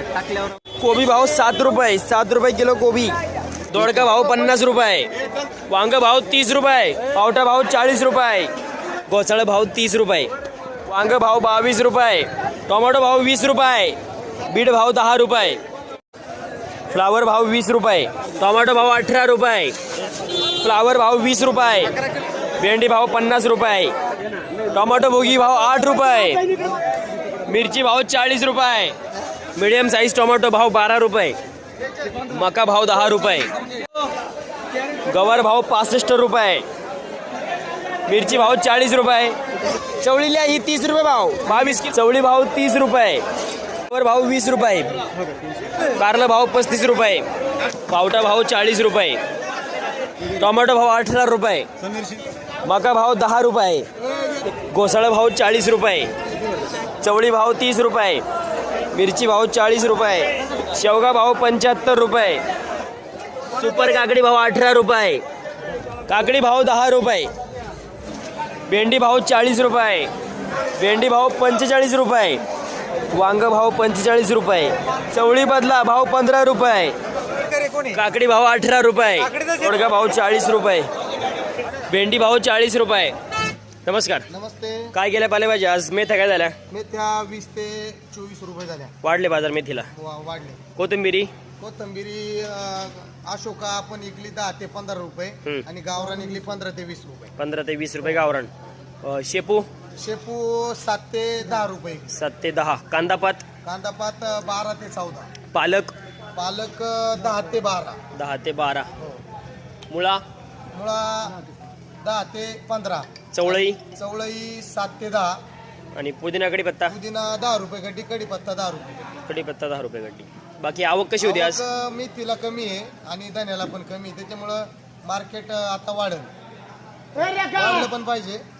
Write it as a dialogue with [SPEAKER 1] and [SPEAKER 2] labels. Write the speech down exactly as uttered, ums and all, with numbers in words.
[SPEAKER 1] टाकल्यावर
[SPEAKER 2] कोबी भाव सात रुपये सात रुपये किलो कोबी. दोडका भाव पन्नास रुपये. वांग भाव तीस रुपये. पावटा भाव चाळीस रुपये. घोसाळ भाव तीस रुपये. वांग भाव बावीस रुपये. टोमॅटो भाव वीस रुपये. बीट भाव दहा रुपये. फ्लावर भाव वीस रुपये. टोमॅटो भाव अठरा रुपये. फ्लावर भाव वीस रुपये. भेंडी भाव पन्नास रुपये. टोमॅटो भोगी भाव आठ रुपये. मिरची भाव चाळीस रुपये. मीडियम साईज टोमॅटो भाव बारा रुपये. मका भाव दहा रुपये. गवार भाव पासष्ट रुपये. मिरची भाव चाळीस रुपये. चवळीला ही तीस रुपये भाव बावीस. चवळी भाव तीस रुपये. गवार भाव वीस रुपये. कारला भाव पस्तीस रुपये. पावटा भाव चाळीस रुपये. टोमॅटो भाव अठरा रुपये. मका भाव दहा रुपये. घोसाळा भाव चाळीस रुपये. चवळी भाव तीस रुपये. मिरची भाव चाळीस रुपये. शेवगा भाव पंच्याहत्तर रुपये. सुपर काकडी भाव अठरा रुपये. काकडी भाव दहा रुपये. भेंडी भाव चाळीस रुपये. भेंडी भाव पंचेचाळीस रुपये. वांग भाव पंचेचाळीस रुपये. चवळी बदला भाव पंधरा रुपये. काकडी भाव अठरा रुपये. दोडका भाव चाळीस रुपये. भेंडी भाव चाळीस रुपये. नमस्कार.
[SPEAKER 1] नमस्ते.
[SPEAKER 2] काय गेल्या पालेभाज्या आज मेथ्या काय झाल्या?
[SPEAKER 1] मेथ्या वीस ते चोवीस रुपये झाल्या.
[SPEAKER 2] वाढले बाजार मेथीला.
[SPEAKER 1] वा- वाढले.
[SPEAKER 2] कोथिंबिरी
[SPEAKER 1] कोथंबिरी अं, अशोका आपण इकली दहा ते पंधरा रुपये
[SPEAKER 2] हम्म.
[SPEAKER 1] आणि गावरान इकली पंधरा ते वीस रुपये.
[SPEAKER 2] पंधरा ते वीस रुपये गावरान. अ, शेपू
[SPEAKER 1] शेपू सात ते दहा रुपये.
[SPEAKER 2] सात ते दहा. कांदापात
[SPEAKER 1] कांदापात अं, बारा ते चौदा.
[SPEAKER 2] पालक
[SPEAKER 1] पालक अं, दहा ते बारा.
[SPEAKER 2] दहा ते बारा.
[SPEAKER 1] हो.
[SPEAKER 2] मुळा
[SPEAKER 1] मुळा दहा ते पंधरा.
[SPEAKER 2] चवळई
[SPEAKER 1] चवळई सात ते दहा.
[SPEAKER 2] आणि पुदिना कढीपत्ता.
[SPEAKER 1] पुदिना दहा रुपये गड्डी. कढीपत्ता दहा रुपये.
[SPEAKER 2] कढीपत्ता दहा रुपये गड्डी. बाकी आवक कशी होती आज?
[SPEAKER 1] आवक मेथीला कमी आहे आणि धन्याला पण कमी आहे. त्याच्यामुळं मार्केट आता वाढेल. वाढलं पण पाहिजे.